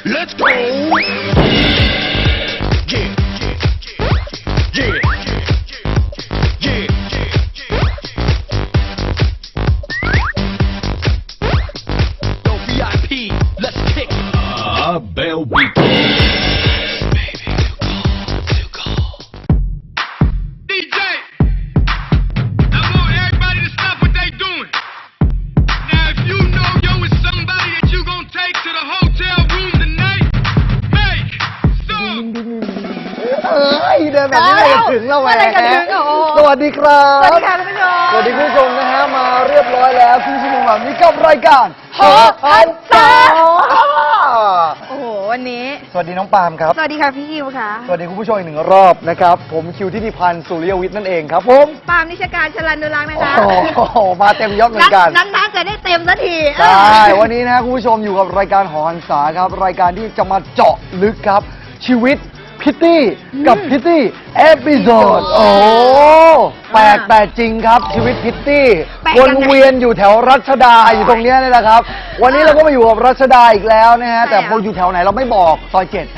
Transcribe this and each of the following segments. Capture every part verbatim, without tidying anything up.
Let's go. Yeah, yeah, yeah, yeah. Yo, V I P, let's kick it. Ah, Bell Beat. Baby, too cold, too cold. D J, I want everybody to stop what they doing. Now, if you know yo is somebody that you gonna take to the hotel room tonight, make some. เอ้ยเดินแบบนี้เลยจะถึงแล้วแหวเมื่อไหร่จะถึงอ่ะโอ้สวัสดีครับสวัสดีค่ะท่านผู้ชมสวัสดีคุณผู้ชมนะฮะมาเรียบร้อยแล้วครึ่งชั่วโมงแบบนี้กับรายการโหพันษา โอ้โห วันนี้สวัสดีน้องปาล์มครับสวัสดีค่ะพี่คิวค่ะสวัสดีคุณผู้ชมอีกหนึ่งรอบนะครับผมคิวทิติพันธ์สุริยวิทย์นั่นเองครับผมปาล์มนิชการชลันดุรักษ์นะคะโอ้โหมาเต็มยศเหมือนกันนั้นๆจะได้เต็มสักทีใช่ วันนี้นะคุณผู้ชมอยู่กับรายการหอหันษาครับ รายการที่จะมาเจาะลึกครับ ชีวิตพิตตี้กับพิตตี้เอพิโซดโอ้แปลกแต่จริงครับ ชีวิตพิตตี้วนเวียนอยู่แถวรัชดาอยู่ตรงเนี้ยนี่แหละครับ วันนี้เราก็มาอยู่กับรัชดาอีกแล้วนะฮะแต่พออยู่แถวไหนเราไม่บอกซอยเจ็ด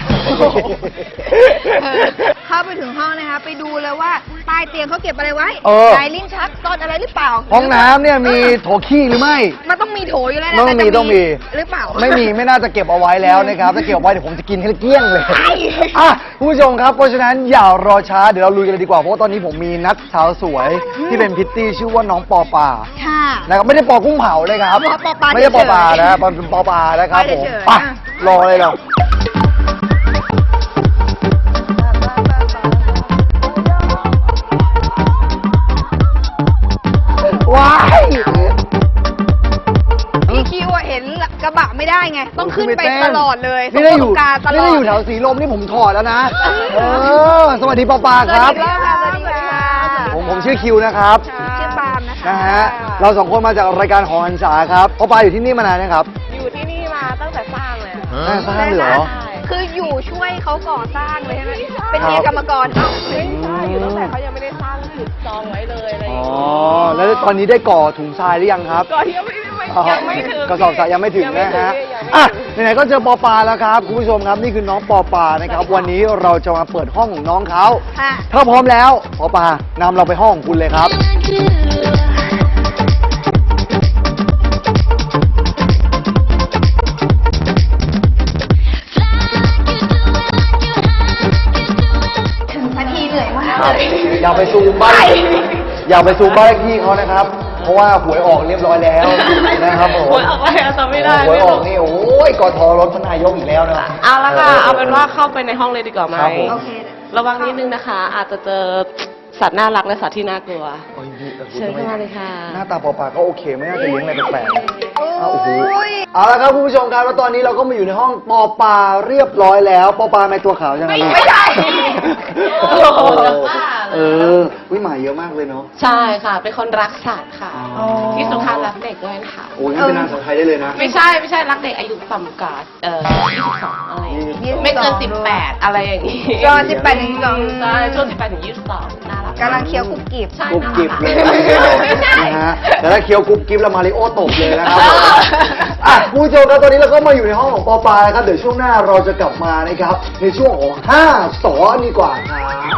เข้าไปถึงห้องนะคะ ไปดูเลยว่าใต้เตียงเขาเก็บอะไรไว้เออไหนลิ้นชักซ่อนอะไรหรือเปล่าห้องน้ำเนี่ยมีโถขี้หรือไม่มันต้องมีโถอยู่แล้วนะต้องมีแต่จะต้องมีหรือเปล่าไม่มีไม่น่าจะเก็บเอาไว้แล้วนะครับถ้าเก็บเอาไว้เดี๋ยวผมจะกินให้เกลี้ยงเลยอ่ะคุณผู้ชมครับเพราะฉะนั้นอย่ารอช้าเดี๋ยวเราลุยกันเลยดีกว่าเพราะว่าตอนนี้ผมมีนัดสาวสวยที่เป็นพิตตี้ชื่อว่าน้องปอปาค่ะนะครับไม่ได้ปอกุ้งเผาเลยครับปอปาไม่ใช่ปอปาเฉยๆนะเป็นปอปานะครับผมเฉยๆไปอ่ะรอเลยเราว้ายพี่คิวอะเห็นกระบะไม่ได้ไง ต้องขึ้นไปตลอดเลยนี่ได้อยู่ตรงกลางตลนี่อได้ดอยู่แถวสีลมนี่ผมถอดแล้วนะเออสวัสดีปอปาครับสวัสดีค่ะสวัสดีค่ะผมผมชื่อคิวนะครับชื่อปาล์มนะคะนะฮะเราสองคนมาจากรายการหอหันษาครับปอปาอยู่ที่นี่มานานนะครับอยู่ที่นี่มาตั้งแต่สร้างเลยอะน่าสร้างเหรอคืออยู่ช่วยเขาก่อสร้างเลยใช่ไหมเป็นเมียกรรมกรเอ้าไม่ใช่อยู่ตั้งแต่เขายังไม่ได้สร้างจุดจองไว้เลยอะไรออ๋ย่าองเงี้ยแล้วตอนนี้ได้ก่อถุงทรายหรือยังครับก่อนยังไม่ไม่อ๋อยังไม่ถึงกระสอบทรายยังไม่ถึงยังไม่นะถึงฮะยังไม่อ่ะถึงไหนๆก็เจอปอปาแล้วครับคุณผู้ชมครับนี่คือน้องปอปานะครับวันนี้เราจะมาเปิดห้องของน้องเขาค่ะถ้าพร้อมแล้วปอปานำเราไปห้องของคุณเลยครับถึงนาทีเหนื่อยมากครับเลยอย่าไปซูมบ้านอย่าไปซูมบ้านเลขที่เขานะครับ เพราะว่าหวยออกเรียบร้อยแล้วนะครับผมหวยออกอะไรอะจำไม่ได้หวยออกนี่โอ้ยกทรถพนายกอีกแล้วนะเอาละค่ะเอาเป็นว่าเข้าไปในห้องเลยดีกว่าไหมครับผมโอเคระวังนิดนึงนะคะ อาจจะเจอสัตว์น่ารักและสัตว์ที่น่ากลัวโอ้ยดีแต่คุณเชิญเข้ามาเลยค่ะหน้าตาปอปาก็โอเคไม่น่าจะเลี้ยงอะไรแปลกๆโอ้อ้าวโอ้โหยเอาละครับคุณผู้ชมครับแล้วตอนนี้เราก็มาอยู่ในห้องปอปาเรียบร้อยแล้วปอปาในตัวขาวจังเลยไม่ใช่โอ้โหเออวิหมายเยอะมากเลยเนาะใช่ค่ะ เป็นคนรักสัตว์ค่ะอ๋อที่สำคัญรักเด็กด้วยนะคะโอ้ยงั้นเป็นนางสาวไทยได้เลยนะไม่ใช่ไม่ใช่รักเด็กอายุต่ำกว่าเอ่อยี่สิบสองอะไรอย่างงี้ไม่เกินสิบแปดอะไรอย่างงี้จอสิบแปดถึงสองใช่ช่วงสิบแปดถึงยี่สิบสองน่ารักกำลังเคี้ยวกรุบกริบใช่กรุบกริบเลยไม่ใช่นะฮะแต่ถ้าเคี้ยวกรุบกริบแล้วมาริโอตกเลยนะครับอ่ะคุณผู้ชมครับตอนนี้เราก็มาอยู่ในห้องของปอปานะครับเดี๋ยวช่วงหน้าเราจะกลับมานะครับในช่วงของห้าสอดีกว่าครับ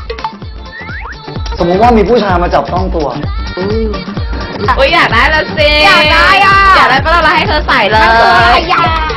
สมมุติว่ามีผู้ชายมาจับต้องตัวอุ้ยอยากได้ละสิอยากได้อ่ะอยากได้ปะล่ะเราให้เธอใส่เลยมันคืออะไรอ่ะ